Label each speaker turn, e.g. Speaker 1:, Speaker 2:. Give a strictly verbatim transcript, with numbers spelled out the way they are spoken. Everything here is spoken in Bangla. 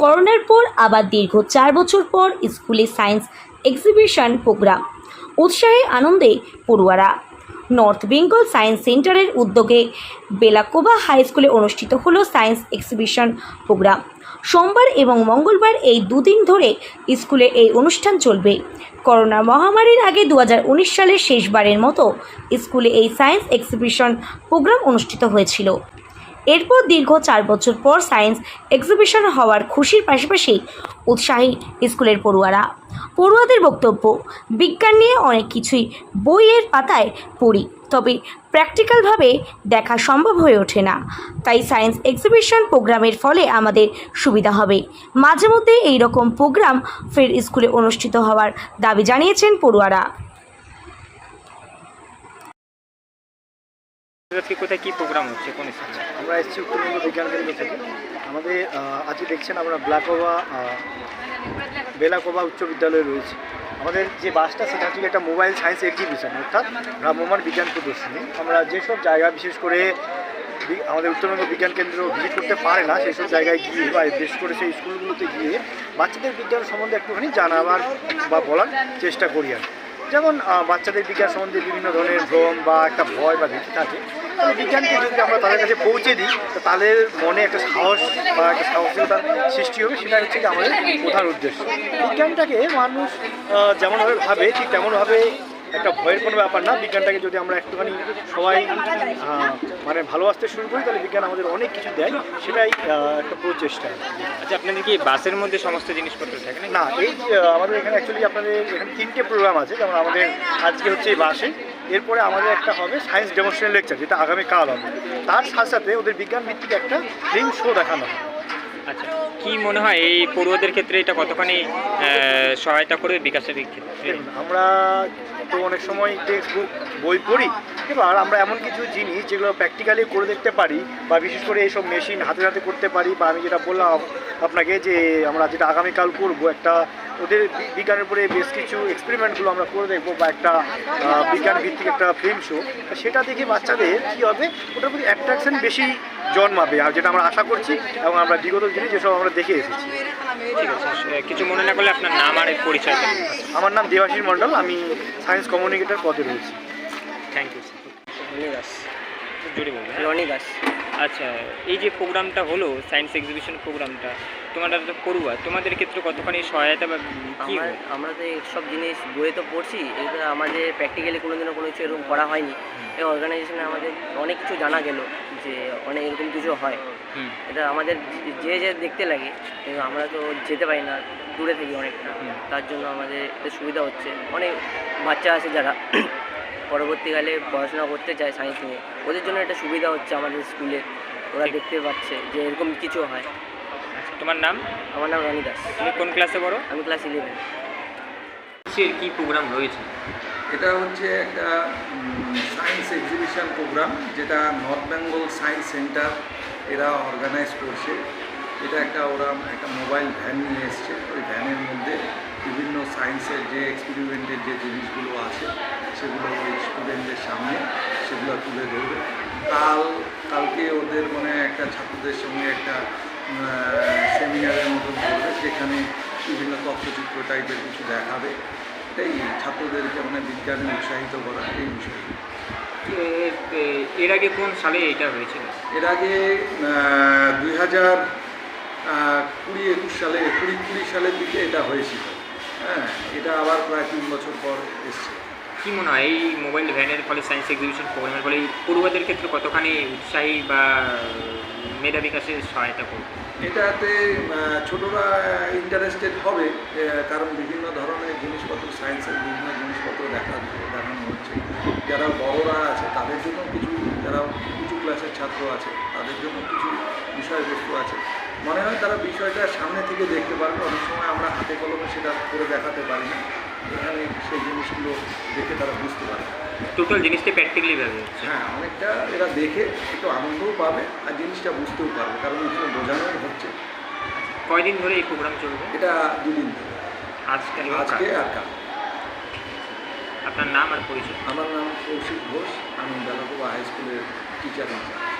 Speaker 1: করোনার পর আবার দীর্ঘ চার বছর পর স্কুলে সায়েন্স এক্সিবিশন প্রোগ্রাম। উৎসাহে আনন্দে পড়ুয়ারা। নর্থ বেঙ্গল সায়েন্স সেন্টারের উদ্যোগে বেলাকোবা হাই স্কুলে অনুষ্ঠিত হলো সায়েন্স এক্সিবিশন প্রোগ্রাম। সোমবার এবং মঙ্গলবার এই দুদিন ধরে স্কুলে এই অনুষ্ঠান চলবে। করোনা মহামারীর আগে দু হাজার উনিশ সালের শেষবারের মতো স্কুলে এই সায়েন্স এক্সিবিশন প্রোগ্রাম অনুষ্ঠিত হয়েছিল। এরপর দীর্ঘ চার বছর পর সায়েন্স এক্সিবিশন হওয়ার খুশির পাশাপাশি উৎসাহী স্কুলের পড়ুয়ারা। পড়ুয়াদের বক্তব্য, বিজ্ঞান নিয়ে অনেক কিছুই বইয়ের পাতায় পড়ি, তবে প্র্যাকটিক্যালভাবে দেখা সম্ভব হয়ে ওঠে না। তাই সায়েন্স এক্সিবিশন প্রোগ্রামের ফলে আমাদের সুবিধা হবে। মাঝে মধ্যে এই রকম প্রোগ্রাম ফের স্কুলে অনুষ্ঠিত হওয়ার দাবি জানিয়েছেন পড়ুয়ারা।
Speaker 2: আজকে কোথায় কি প্রোগ্রাম হচ্ছে, কোন স্কুলে?
Speaker 3: আমরা এসেছি উত্তরবঙ্গ বিজ্ঞান কেন্দ্র থেকে। আমাদের আজকে দেখছেন আমরা ব্লাকোবা বেলাকোবা উচ্চ বিদ্যালয়ে রয়েছে। আমাদের যে বাসটা সেটা হচ্ছে একটা মোবাইল সায়েন্স এক্সিবিশন, অর্থাৎ ভ্রাম্যমাণ বিজ্ঞান প্রদর্শনী। আমরা যেসব জায়গা বিশেষ করে আমাদের উত্তরবঙ্গ বিজ্ঞান কেন্দ্র ভিজিট করতে পারে না সেই সব জায়গায় গিয়ে বা বিশেষ করে সেই স্কুলগুলোতে গিয়ে বাচ্চাদের বিজ্ঞান সম্বন্ধে একটুখানি জানাবার বা বলার চেষ্টা করি। আর যেমন বাচ্চাদের বিজ্ঞান সম্বন্ধে বিভিন্ন ধরনের ভ্রম বা একটা ভয় বা ভীতি থাকে, তাহলে বিজ্ঞানকে যদি আমরা তাদের কাছে পৌঁছে দিই তো তাদের মনে একটা সাহস বা একটা সাহসিকতার সৃষ্টি হবে। সেটা হচ্ছে কি আমাদের প্রধান উদ্দেশ্য। বিজ্ঞানটাকে মানুষ যেমনভাবে ভাবে ঠিক তেমনভাবে একটা ভয়ের কোনো ব্যাপার না। বিজ্ঞানটাকে যদি আমরা একটুখানি সবাই মানে ভালোবাসতে শুরু করি তাহলে বিজ্ঞান আমাদের অনেক কিছু দেয়, সেটাই একটা প্রচেষ্টা।
Speaker 2: আচ্ছা, আপনাদের কি বাসের মধ্যে সমস্ত জিনিসপত্র থাকে না?
Speaker 3: না, এই আমাদের এখানে অ্যাকচুয়ালি আপনাদের এখানে তিনটে প্রোগ্রাম আছে। যেমন আমাদের আজকে হচ্ছে এই বাসে, এরপরে আমাদের একটা হবে সায়েন্স ডেমনস্ট্রেশন লেকচার, যেটা আগামীকাল হবে। তার সাথে সাথে ওদের বিজ্ঞান ভিত্তিক একটা ফিল্ম শো দেখানো হবে।
Speaker 2: আচ্ছা, কি মনে হয় এই পড়ুয়াদের ক্ষেত্রে এটা কতখানি সহায়তা করবে বিকাশের দিক থেকে?
Speaker 3: দেখুন, আমরা তো অনেক সময় টেক্সট বুক বই পড়ি, এবার আমরা এমন কিছু জিনিস যেগুলো প্র্যাকটিক্যালি করে দেখতে পারি বা বিশেষ করে এইসব মেশিন হাতে হাতে করতে পারি, বা আমি যেটা বললাম আপনাকে যে আমরা যেটা আগামীকাল করবো, একটা ওদের বিজ্ঞানের উপরে বেশ কিছু এক্সপেরিমেন্টগুলো আমরা করে দেখবো বা একটা বিজ্ঞান ভিত্তিক একটা ফিল্ম শো, সেটা দেখে বাচ্চাদের কী হবে, ওটার প্রতি অ্যাট্রাকশন বেশি জন্মাবে, আর যেটা আমরা আশা করছি এবং আমরা বিগত দিনে যেসব আমরা দেখে এসেছি।
Speaker 2: ঠিক আছে, কিছু মনে না করলে আপনার নাম আর পরিচয়।
Speaker 3: আমার নাম দেবাশিস মণ্ডল, আমি সায়েন্স কমিউনিকেটর পদে রয়েছি।
Speaker 2: Thank you sir.
Speaker 4: Rony Das.
Speaker 2: জুড়ে বলবেন।
Speaker 4: রনি দাস।
Speaker 2: আচ্ছা, এই যে প্রোগ্রামটা হলো সায়েন্স এক্সিবিশন প্রোগ্রামটা, তোমরা তো পড়ুয়া, তোমাদের ক্ষেত্রে কতখানি সহায়তা বা কী?
Speaker 4: আমরা তো সব জিনিস বইয়ে তো পড়ছি, এটা আমাদের প্র্যাকটিক্যালি কোনো দিনও কোনো কিছু এরকম করা হয়নি। এই অর্গানাইজেশনে আমাদের অনেক কিছু জানা গেল যে অনেক এরকম কিছু হয়। এটা আমাদের যে যে দেখতে লাগে, কিন্তু আমরা তো যেতে পারি না, দূরে থাকি অনেকটা, তার জন্য আমাদের এটা সুবিধা হচ্ছে। অনেক বাচ্চা আছে যারা পরবর্তীকালে পড়াশোনা করতে চায় সায়েন্স নিয়ে, ওদের জন্য একটা সুবিধা হচ্ছে আমাদের স্কুলে। ওরা দেখতে পাচ্ছে যে এরকম কিছু হয়।
Speaker 2: তোমার নাম?
Speaker 4: আমার নাম রনি দাস।
Speaker 2: তুমি কোন ক্লাসে পড়ো?
Speaker 4: আমি ক্লাস ইলেভেন।
Speaker 2: কি প্রোগ্রাম রয়েছে?
Speaker 5: এটা হচ্ছে একটা সায়েন্স এক্সিবিশন প্রোগ্রাম, যেটা নর্থ বেঙ্গল সায়েন্স সেন্টার এরা অর্গানাইজ করছে। এটা একটা ওরা একটা মোবাইল ভ্যান নিয়ে এসছে। ওই ভ্যানের মধ্যে বিভিন্ন সায়েন্সের যে এক্সপেরিমেন্টের যে জিনিসগুলো আছে সেগুলো ওই স্টুডেন্টদের সামনে সেগুলো তুলে ধরবে। কাল কালকে ওদের মানে একটা ছাত্রদের সঙ্গে একটা সেমিনারের মতন করবে, যেখানে বিভিন্ন তথ্যচিত্র টাইপের কিছু দেখাবে। এটাই ছাত্রদেরকে মানে বিজ্ঞানে উৎসাহিত করা এই বিষয়।
Speaker 2: এর আগে কোন সালে এটা হয়েছিল?
Speaker 5: এর আগে দুই হাজার কুড়ি একুশ সালে কুড়ি কুড়ি সালের দিকে এটা হয়েছিল। হ্যাঁ, এটা আবার প্রায় তিন বছর পর এসছে।
Speaker 2: কী মনে হয় এই মোবাইল ভ্যানের ফলে সায়েন্স এক্সিবিশন প্রোগ্রামের ফলে পড়ুয়াদের ক্ষেত্রে কতখানি উৎসাহী বা মেধা বিকাশের সহায়তা করবে?
Speaker 5: এটাতে ছোটরা ইন্টারেস্টেড হবে, কারণ বিভিন্ন ধরনের জিনিসপত্র সায়েন্সের বিভিন্ন জিনিসপত্র দেখা দেখানো হচ্ছে। যারা বড়রা আছে তাদের জন্য কিছু, যারা উঁচু ক্লাসের ছাত্র আছে তাদের জন্য কিছু বিষয়বস্তু আছে। মনে হয় তারা বিষয়টা সামনে থেকে দেখতে পারবে। অনেক সময় আমরা হাতে কলমে সেটা করে দেখাতে পারি না, এখানে সেই জিনিসগুলো দেখে তারা বুঝতে পারে।
Speaker 2: টোটাল জিনিসটা প্র্যাকটিক্যালি ভাবে,
Speaker 5: হ্যাঁ, অনেকটা এরা দেখে একটু আনন্দও পাবে আর জিনিসটা বুঝতেও পারবে, কারণ এখানে বোঝানোই হচ্ছে।
Speaker 2: কয়দিন ধরে এই প্রোগ্রাম চলবে?
Speaker 5: এটা দুদিন ধরে,
Speaker 2: আজকে
Speaker 5: আজকে আর কাল।
Speaker 2: আপনার নাম আর পরিচয়?
Speaker 5: আমার নাম কৌশিক ঘোষ, আমি বেলাকোবা হাই স্কুলের টিচার।